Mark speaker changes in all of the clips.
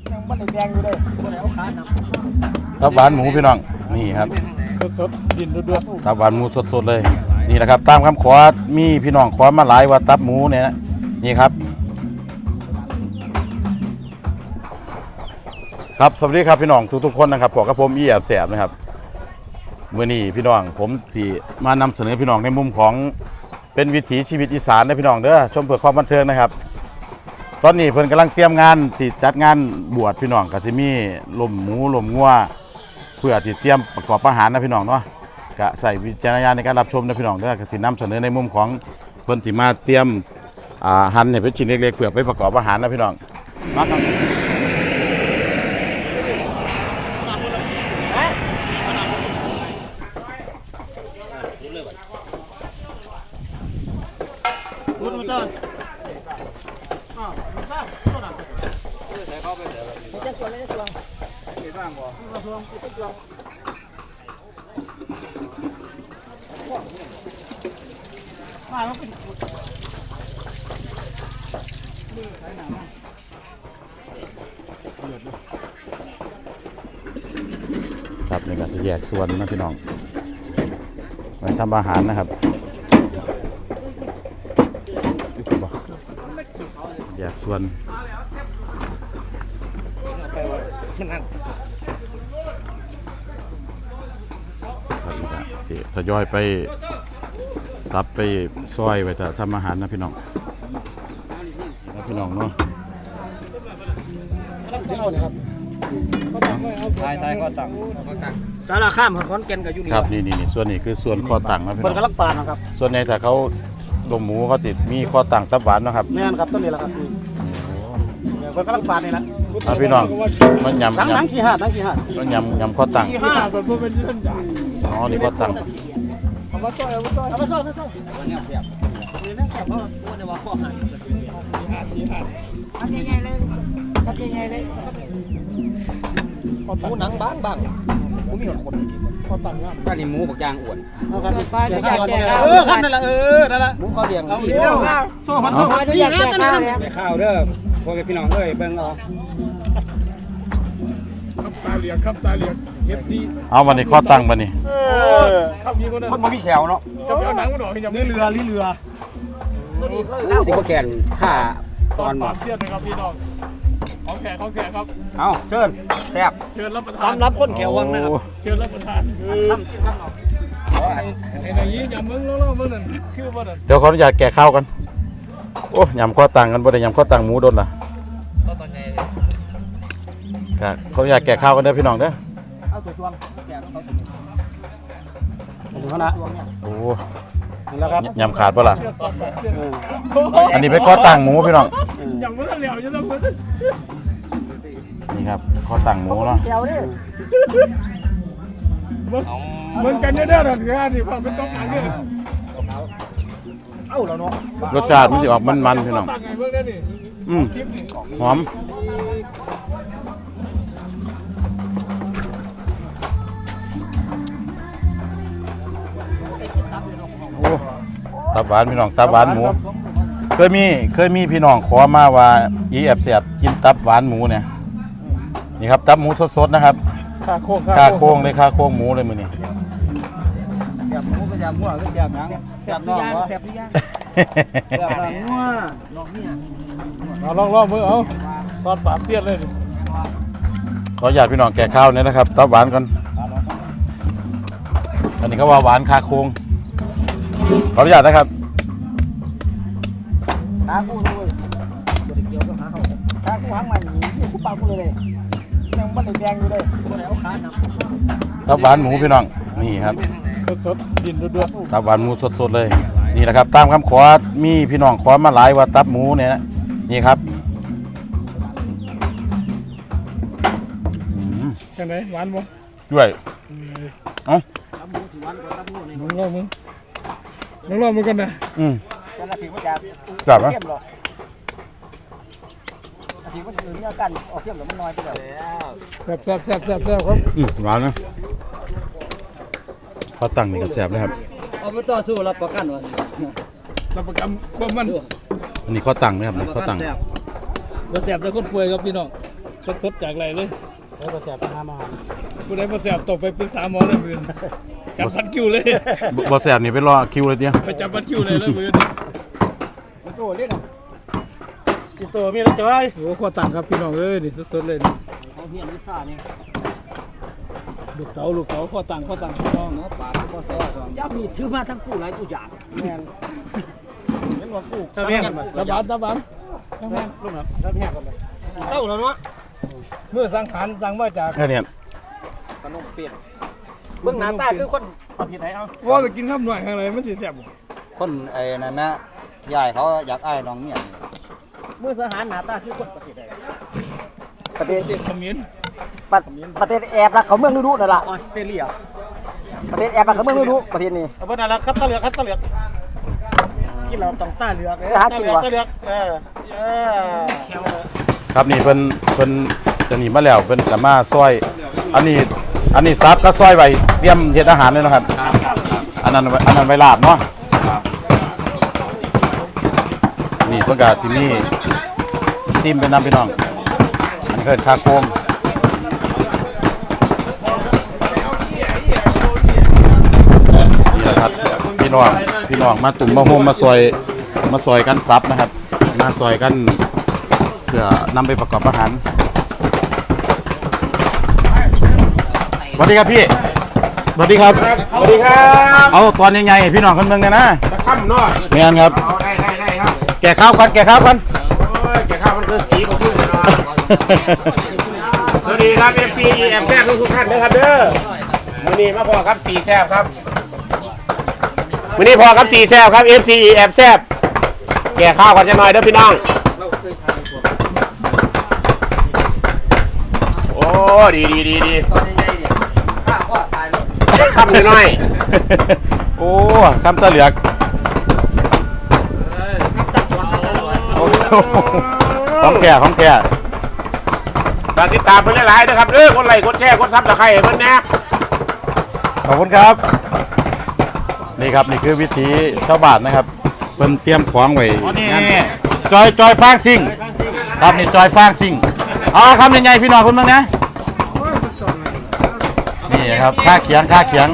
Speaker 1: มันแดงอยู่เลยคนแล้วขาหนัก
Speaker 2: ตับหวานหมูพี่น้องนี่ครับ
Speaker 1: สดดินด้วย
Speaker 2: ตับหวานหมูสดๆเลยนี่แหละครับตามคำขอมีพี่น้องขอมาหลายว่าตับหมูเนี่ยนี่ครับครับสวัสดีครับพี่น้องทุกๆคนนะครับผมกับผมอีแอบแสบนะครับเมื่อนี้พี่น้องผมที่มานำเสนอพี่น้องในมุมของเป็นวิถีชีวิตอีสานนะพี่น้องเด้อชมเพื่อความบันเทิงนะครับตอนนี้เพิ่นกำลังเตรียมงานสิจัดงานบวชพี่น้องก็สิมีลมหมูลมงัวเพื่อที่เตรียมประกอบอาหารนะพี่น้องเนาะก็ใส่วิจารณญาณในการรับชมนะพี่น้องเด้อก็สินำเสนอในมุมของเพิ่นที่มาเตรียมหั่นให้เป็นชิ้นเล็กๆเพื่อไปประกอบอาหารนะพี่น้องมาครับครับนี่ก็จะแยกส่วนนะพี่น้องไว้ทำอาหารนะครับแยกส่วนสิทยอยไปซับไปซอยไปแต่ทำอาหารนะพี่น้องนะพี่น้องเนาะ
Speaker 1: ทายข้อตังสารข้ามขอนแก่นกับยูนิ
Speaker 2: ครับนี่ส่วนนี้คือส่วนข้อตังนะพี่น้อง
Speaker 1: กำลังปานนะครับ
Speaker 2: ส่วนในถ้าเขาลมหมูเขาติดมีข้อตังตับหวานนะครับ
Speaker 1: แม่นครับต้นนี้แหละครับคนกำลังปานนี่นะ
Speaker 2: พี่น้องมันยำ
Speaker 1: นังขี้ห่า
Speaker 2: มันยำข้อตัง
Speaker 1: แบบเป็นเส้นใหญ่
Speaker 2: อ๋อนี่ข้อตัง
Speaker 1: เอามาซอยเนี่ยเสียบนี่นั่งเสียบเพราะว่าในว่าข้อหันทำยังไงเลยหมูหนังบ้างหมูมีหนคนข้อตังครับก็นี่หมูบักยางอ้วนเอาครับขั้นนั่นแหละนั่นแหละหมูข้อเดียงเอาเดียวโซ่พันนี่นะไปข้าวเด้อพวกพี่น้องเอ้ยเบิ่งเอาครับตาเหลียงFC
Speaker 2: เอาวันนี้ข้อตังวันนี้
Speaker 1: คนบ่มีแขวเนาะจะเอาหนังมาดอกนี่เรือสิบ่แขนค่าตอนเสียดนะครับพี่น้องของแขกครับเอาเชิญแซ่บเชิญรับประทานสำหรับคนแขววังนะครับเชิญรับประทานไอ้นี่ยำมึงเล่ามึงนั่นคือว่านั่น
Speaker 2: เดี๋ยวขออนุญาตแกะข้าวกันโอ้ยำข้อตังกันบ่ได้ยำข้อตังหมูโดนล่ะก็ขออนุญาตแกะข้าวกันเด้อพี่น้องเด้อ
Speaker 1: เอาตัวช่วงแกะเขานะ
Speaker 2: โอ้แล้วครับยำขาดป่ะล่ะอันนี้เป็นข้อตังหมูพี่น้อง
Speaker 1: ยำมันเหลวจะต้อง
Speaker 2: นี่ครับข้อตังหมูเนาะ
Speaker 1: เหมือนกันเนี่ยหรอกงานนี่พอเป็นต้องการเนี่ยเอ้าแล้วเนาะ
Speaker 2: รสชาติมันจะออกมันๆพี่น้องหอมตับหวานพี่น้องตับหวานหมูเคยมีพี่น้องขอมาว่าอีแอบเสียบกินตับหวานหมูเนี่ยนี่ครับตับหมูสดๆนะครับ
Speaker 1: ค่าโค้ง
Speaker 2: เลยค่าโค้งหมูเลยมื้อนี้
Speaker 1: แซ่บหมูก็แซ่บหัวก็แซ่บหนังแซ่บน่องวะแซ่บทุกอย่างแซ่บหนังหัวน่องเนี่ยเอาลองมือเอาตอนปราบเสียดเลย
Speaker 2: ขออนุญาตพี่น้องแกะข้าวเนี่ยนะครับตับหวานกันอันนี้ก็ว่าหวานค่าโค้งขออนุญาตนะครับ
Speaker 1: ตาคู่ด้วยตัวเดียวก็หาเขาตาคู่หางมันนี่คู่ปากคู่เลยยังมันแดงอยู่เลยตัวแล้วขาหนัก
Speaker 2: ตับหวานหมูพี่น้องนี่ครับ
Speaker 1: สดดินด้วย
Speaker 2: ตับหวานหมูสดๆเลยนี่แหละครับตามคำขอมีพี่น้องขอมาหลายว่าตับหมูเนี่ยนี่ครับ
Speaker 1: จังไหนหวานบ่
Speaker 2: ด้วยเอ้า
Speaker 1: ตับหมูสิหวานกว่าตับหมูนี่ลองมึงกันนะจะละผิวมันจะ
Speaker 2: จับไหม
Speaker 1: ผิวมันอื่นเนี่ยกันออกเข้มหรือมันน้อยไปแล้วแซ่บครับ
Speaker 2: หวานนะข้าวตังนี่ก็แซ่บเลยครับ
Speaker 1: เอาไปต่อสู้รับประกันวะรับประกันว่ามัน
Speaker 2: อันนี้ข้าวตังนะครับข้าวตัง
Speaker 1: แซ่บแต่คนป่วยครับพี่น้อง
Speaker 3: สดๆจากไรเลย
Speaker 1: แล้วก็แสบน้ำมา
Speaker 3: ผู้ใดมาแสบตกไปปรึกษาหมอเลยมือจับพัดคิวเลย
Speaker 2: บ่แสบนี่ไปรอคิวเลยเตี้ย
Speaker 3: ไปจับพัดคิวเลยแล้วมือ
Speaker 1: โตเล่นกินตัวมีแล้วจ้อย
Speaker 3: โอ้ข้อต่างครับพี่น้องเอ้ยนี่สดๆเลย
Speaker 1: เขาเฮียนวิซ่านี่
Speaker 3: ลูกเต๋าข้อต่างพี่น้องเนาะ
Speaker 1: ปากก็แซ่บย่ามีถือมาทั้งกู้หลายกู้ยากแม่นเห็นว่ากู้
Speaker 3: ตะแบงตะบาน
Speaker 1: แม่นลูกนะตะแบงกันเลยเศร้าแล้วเนาะ
Speaker 3: เมื่อสังขารสั่งมาจาก
Speaker 2: แค่นี้
Speaker 1: ขนมเปียกเบื้องหน้าตาคือคนประเทศไหนเอา
Speaker 3: ว่าไปกินข้าวหน่อยข้างในมันสิแซ่บ
Speaker 4: คนไอ้นั่นนะยายเขาอยากอ้ายน้องเนี่ย
Speaker 1: มือทหารหน้าตาคือคนประเทศไหน
Speaker 4: ประเทศ
Speaker 3: เด็ดขมิ้น
Speaker 4: ประเทศแอบรักเขาเมืองฤดูนั่นล่ะ
Speaker 1: ออสเตรเลีย
Speaker 4: ประเทศแอบรักเขาเมืองฤดูประเทศนี้
Speaker 1: เอาเบอร์นั่นละครับตะเหลือกกินเราต้องตาเหลือกตาเหลือก
Speaker 2: ครับนี่เพิ่นจะหนีมาแล้วเพิ่นจะมาซอยอันนี้ซับก็ซอยไว้เตรียมเฮ็ดอาหารเลยนะครับอันนั้นไว้ลาบเนาะนี่เพิ่นก็ที่นี่ซิมเป็นน้ำพี่น้องอันนี้เพิ่นคาโคมนี่แหละครับพี่น้องมาตุ่มมาโฮมมาซอยกันซับนะครับมาซอยกันเพื่อนำไปประกอบอาหารสวัสดีครับพี่สวัสดีครับ
Speaker 5: สวัสดีครับ
Speaker 2: เอาตอนใหญ่ๆพี่น้องคนเมืองกันนะ
Speaker 5: ตะค่ำเนาะ
Speaker 2: เมียนครับ
Speaker 5: เอาได้ครับ
Speaker 2: แก่ข้าวกัน
Speaker 5: โอ้ยแกข้าวมันคือสีของขึ้นเลยเนาะสวัสดีครับ FC แอบแซ่บทุกท่านนะครับเด้อมื้อนี้มาพอครับสีแซ่บครับมื้อนี้พอครับสีแซ่บครับ FC แอบแซ่บแก่ข้าวก่อนจะหน่อยเด้อพี่น้องโอ้ดีค่ำหน่อย
Speaker 2: โอ้คำตะเหลือกโอ้โหของแก่
Speaker 5: ฝากติดตามเพิ่นหลายๆนะครับเด้อคนไลค์กดแชร์กดซับตะไคร้เพิ่นแน่
Speaker 2: ขอบคุณครับนี่ครับนี่คือวิธีชาวบ้านนะครับเพิ่นเตรียมของไว้จอยฟางซิ่งครับนี่จอยฟางซิ่งเอาคำใหญ่ๆพี่น้องคนเมืองนะนี่ครับค่าเขียง
Speaker 1: ห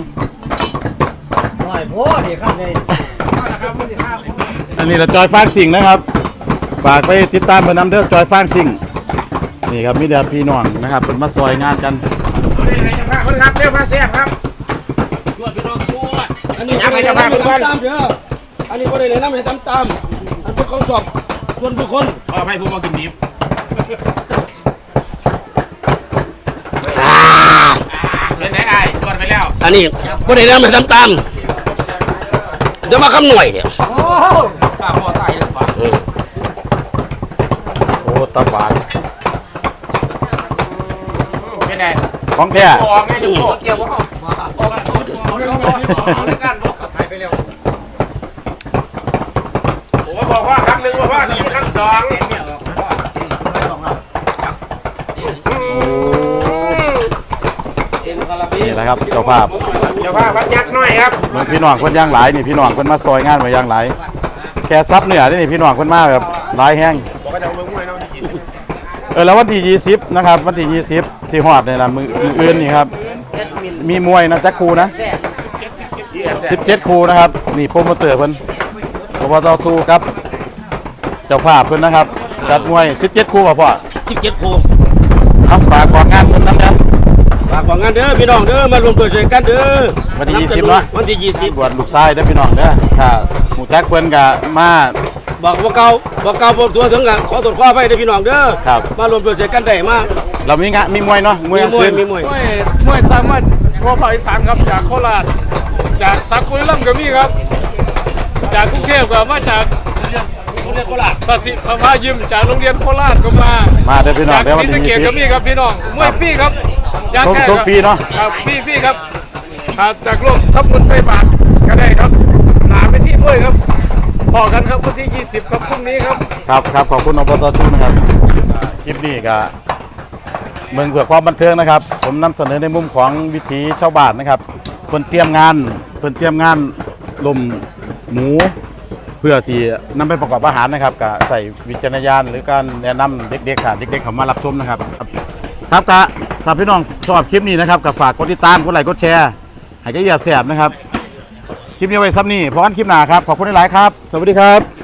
Speaker 1: น่อยโพดดิครับเลย
Speaker 2: อันนี้เราจอยฟางซิ่งนะครับฝากไปติดตามเพิ่นนำเด้อจอยฟางซิ่งนี่ครับมีแต่พี่น้องนะครับเป็นมาซอยงานกัน
Speaker 5: เอาได้ไรจะพาคนครับเร็วพาแซ่บครับ
Speaker 3: อันนี้บ่ได้แนะนำให้ทำตามเด้ออันนี้บ่ได้แนะนำให้ทำตามอันเป็นของสอบส่วนบุคคล
Speaker 5: ขอให้ผู้มากินดิบเป็นไหนไอ้ตรวจไปแล้ว
Speaker 3: อันนี้บ่ได้แนะนำให้ทำตามเดี๋ยวมาคำหน่วยเนี่ย
Speaker 2: โอ้ตะบาน
Speaker 5: เป็นไง
Speaker 2: ของแท้
Speaker 5: ออกไงจุ๊บเกี่ยวว่าผมบอกว่าคำหนึ่งว่าจะมีคำสอง
Speaker 2: นี่แหละครับเจ้าภาพ
Speaker 5: เดี๋ยวว่าวัดยักษ์น้อยครับ
Speaker 2: เมืองพี่น้องคนย่างหลายนี่พี่น้องคนมาซอยงานมาย่างหลายแค่ซับเหนือนี่พี่น้องคนมาแบบหลายแห้ง
Speaker 5: บอกว่าจะเอาเมืองมวยเนาะกิน
Speaker 2: แล้ววันที่20นะครับวันที่20สิฮอดนี่ล่ะมืออื่นนี่ครับมีมวยนะจักครูนะ17ครูนะครับนี่โปรโมเตอร์เพิ่นอบตสู้ครับเจ้าภาพเพิ่นนะครับจัดมวย17ครูป่ะพ่อ
Speaker 3: 17ครู
Speaker 2: เอาฝากบอกงานเพิ่นนำนะ
Speaker 3: ฝากบอกงานเด้อพี่น้องเด้อมารวมตัวช่วยกันเด้อ
Speaker 2: วันที่20เนาะ
Speaker 3: วันที่20
Speaker 2: บวชลูกชายเด้อพี่น้องเด้อถ้าหมู่จักเพิ่นก็มา
Speaker 3: บอกว่าเก่าบ่ตัวถึงกันขอตรวจข้อไปเด้อพี่น้องเด้อ
Speaker 2: ครับ
Speaker 3: มารวมตัวช่วยกันได้มา
Speaker 2: เรามีงานมีมวยเนาะมวยกลางคืน
Speaker 3: มีมวยสามารถทั่วภาคอีสานครับจากโคราชจากสักบุรีรัมย์ก็มีครับ จากกรุงเทพก็มาจากโรงเรียนโคราชสศิภายิมจากโรงเรียนโคราชก็มา
Speaker 2: มาเด้อพี่น้อง
Speaker 3: จาก
Speaker 2: เด้อ
Speaker 3: ศ
Speaker 2: วัน
Speaker 3: รีสะ
Speaker 2: ที่
Speaker 3: เกษก็มีครับพี่น้องมวยฟรีครับยาแก้
Speaker 2: ชมฟรีเนาะ
Speaker 3: ครับฟรีครับจากโลกทับบุญไซบาทก็ได้ครับหนาไปที่มวยครับพอกันครับวันที่20ครับพรุ่งนี้ครับ
Speaker 2: ครับขอบคุณอบตชูนะครับคลิปนี้ก็เมืองเพื่อความบันเทิงนะครับ ผมนำเสนอในมุมของวิถีชาวบ้านนะครับเพิ่นเตรียมงานลมหมูเพื่อที่นำไปประกอบอาหารนะครับก็ใส่วิจารณญาณหรือการแนะนำเด็กๆค่ะเด็กๆเขามารับชมนะครับครับกะถ้าพี่น้องชอบคลิปนี้นะครับก็ฝากกดติดตามกดไลค์กดแชร์ให้ก็เหยียบแสบนะครับคลิปนี้ไว้ซ้ำนี่พอกันคลิปหน้าครับขอบคุณหลายๆครับสวัสดีครับ